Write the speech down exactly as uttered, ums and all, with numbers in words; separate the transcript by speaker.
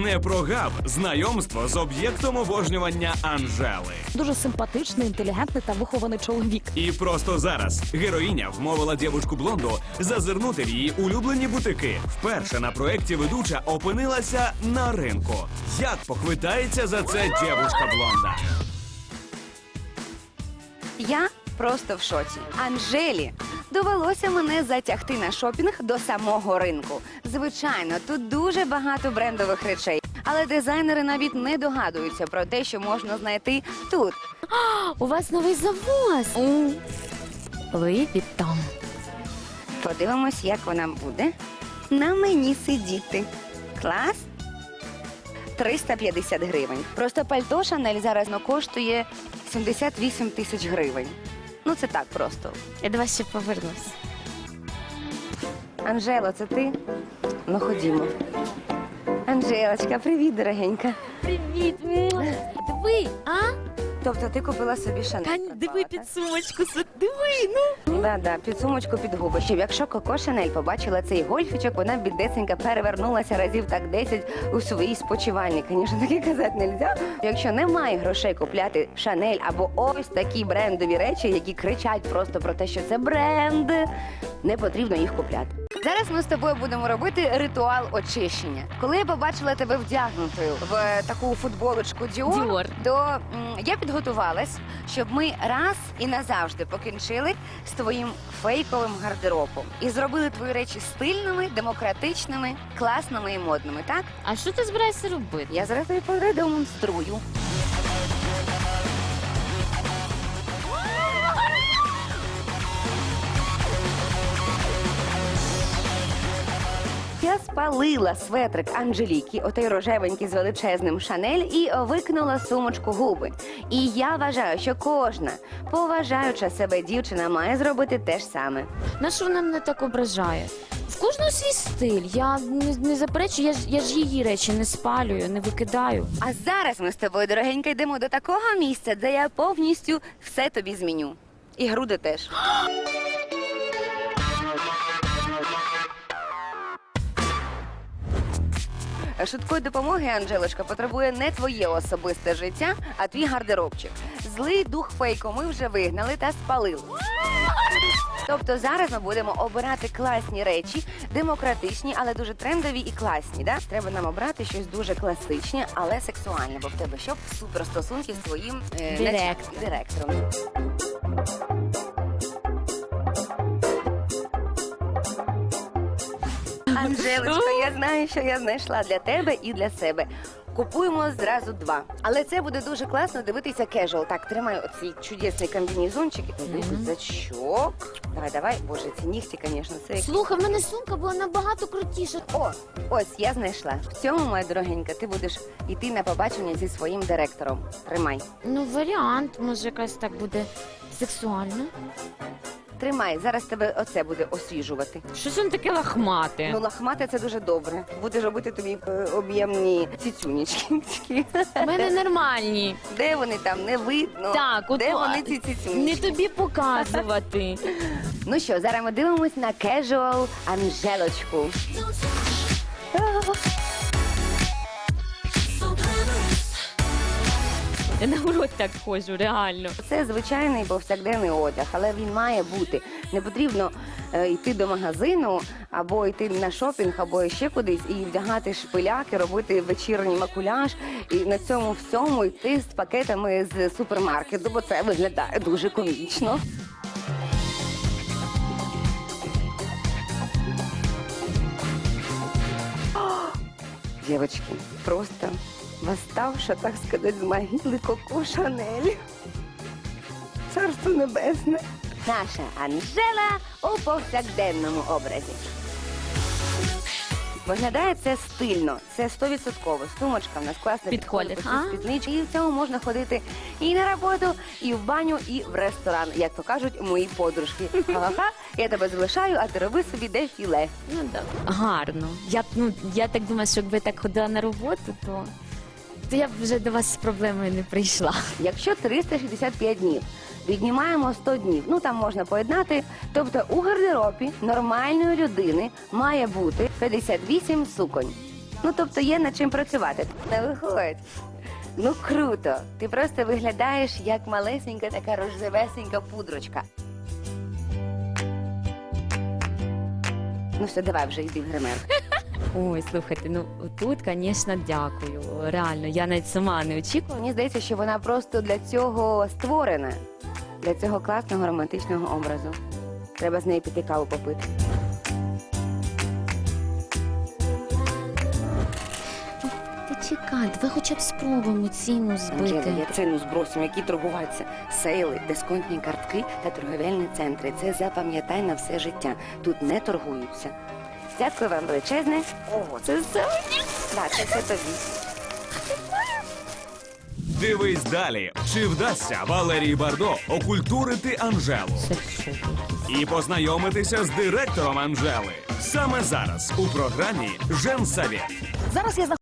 Speaker 1: Не прогав знайомство з об'єктом обожнювання Анжели.
Speaker 2: Дуже симпатичний, інтелігентний та вихований чоловік.
Speaker 1: І просто зараз героїня вмовила дівчинку блонду зазирнути в її улюблені бутики. Вперше на проєкті ведуча опинилася на ринку. Як похвитається за це дівчинка блонда?
Speaker 3: Я просто в шоці. Анжелі довелося мене затягти на шопінг до самого ринку. Звичайно, тут дуже багато брендових речей, але дизайнери навіть не догадуються про те, що можна знайти тут.
Speaker 4: У вас новий завоз. Луї Віттон.
Speaker 3: Подивимось, як вона буде на мені сидіти. Клас? триста п'ятдесят гривень. Просто пальто Шанель зараз ну, коштує сімдесят вісім тисяч гривень. Ну це так просто.
Speaker 4: Я до вас ще повернусь.
Speaker 3: Анжело, це ти? Ну ходімо. Анжелочка, привіт, дорогенька.
Speaker 4: Привіт. Диви, а?
Speaker 3: Тобто ти купила собі Шанель?
Speaker 4: Тань, диви під сумочку. Диви, ну.
Speaker 3: Да, да, під сумочку, під губи. Щоб якщо Коко Шанель побачила цей гольфічок, вона бідесенька перевернулася разів так десять у своїй спочивальні. Звісно, таке казати не можна. Якщо немає грошей купляти Шанель або ось такі брендові речі, які кричать просто про те, що це бренд, не потрібно їх купляти. Зараз ми з тобою будемо робити ритуал очищення. Коли я побачила тебе вдягнутою в таку футболочку Dior,
Speaker 4: Dior.
Speaker 3: то м, я підготувалась, щоб ми раз і назавжди покінчили з твоїм фейковим гардеробом і зробили твої речі стильними, демократичними, класними і модними, так?
Speaker 4: А що ти збираєшся робити?
Speaker 3: Я зараз тобі продемонструю. Я спалила светрик Анжеліки, отей рожевенький з величезним Шанель, і викинула сумочку губи. І я вважаю, що кожна поважаюча себе дівчина має зробити те ж саме.
Speaker 4: На що вона мене так ображає? В кожного свій стиль. Я не, не заперечую, я ж, я ж її речі не спалюю, не викидаю.
Speaker 3: А зараз ми з тобою, дорогенька, йдемо до такого місця, де я повністю все тобі зміню. І груди теж. Швидкої допомоги, Анжелочка, потребує не твоє особисте життя, а твій гардеробчик. Злий дух фейку ми вже вигнали та спалили. Тобто зараз ми будемо обирати класні речі, демократичні, але дуже трендові і класні. Да? Треба нам обрати щось дуже класичне, але сексуальне, бо в тебе що суперстосунки з твоїм е,
Speaker 4: Директор.
Speaker 3: начальником, директором. Анжелочко, я знаю, що я знайшла для тебе і для себе. Купуємо зразу два. Але це буде дуже класно дивитися кежуал. Так, тримай оцей чудесний комбінезончик і туди рюкзачок. Давай, давай. Боже, ці нігті, звісно, це як...
Speaker 4: Слухай, в мене сумка була набагато крутіша.
Speaker 3: О, ось, я знайшла. В цьому, моя дорогенька, ти будеш йти на побачення зі своїм директором. Тримай.
Speaker 4: Ну, варіант, може, якась так буде сексуально.
Speaker 3: Тримай, зараз тебе оце буде освіжувати.
Speaker 4: Щось він таке лахмате.
Speaker 3: Ну, лахмати це дуже добре. Будеш робити тобі е, об'ємні цицюнічки.
Speaker 4: У мене нормальні.
Speaker 3: Де вони там, не видно.
Speaker 4: Так, от
Speaker 3: Де
Speaker 4: о,
Speaker 3: вони ці цицюнічки?
Speaker 4: Не тобі показувати.
Speaker 3: Ну що, зараз ми дивимось на кежуал Анжелочку.
Speaker 4: Я на урок так ходжу, реально.
Speaker 3: Це звичайний повсякденний одяг, але він має бути. Не потрібно е, йти до магазину, або йти на шопінг, або ще кудись і вдягати шпиляки, робити вечірній макуляж і на цьому всьому йти з пакетами з супермаркету, бо це виглядає дуже комічно. Девочки, просто восставша, так сказать, з могили Коко Шанель. Царство небесне. Наша Анжела у повсякденному образі. Виглядає це стильно, це сто відсотків. Сумочка в нас класна,
Speaker 4: Підходить,
Speaker 3: підходить
Speaker 4: а?
Speaker 3: під спіднички. І в цьому можна ходити і на роботу, і в баню, і в ресторан, як то кажуть мої подружки. Ха-ха-ха, я тебе залишаю, а ти роби собі дефіле.
Speaker 4: Ну так. Гарно. Я, ну, я так думаю, що якби так ходила на роботу, то, то я б вже до вас з проблемою не прийшла.
Speaker 3: Якщо триста шістдесят п'ять днів, віднімаємо сто днів, ну там можна поєднати, тобто у гардеробі нормальної людини має бути п'ятдесят вісім суконь. Ну, тобто є над чим працювати. Не виходь. Ну, круто. Ти просто виглядаєш як малесенька така рожевесенька пудрочка. Ну все, давай вже йди в гример.
Speaker 4: Ой, слухайте, ну тут, звісно, дякую. Реально, я навіть сама не очікувала.
Speaker 3: Мені здається, що вона просто для цього створена. Для цього класного романтичного образу. Треба з нею піти каву попити.
Speaker 4: Почекай, давай хоча б спробуємо ціну збити.
Speaker 3: Анжела, я ціну збросимо, які торгуваються. Сейли, дисконтні картки та торговельні центри. Це запам'ятай на все життя. Тут не торгуються. Дякую вам величезне. О, це все мені. Так, це все тобі.
Speaker 1: Дивись далі, чи вдасться Валерії Бардо окультурити Анжелу
Speaker 4: Це що?
Speaker 1: і познайомитися з директором Анжели. Саме зараз у програмі «Женсовет».
Speaker 2: Зараз я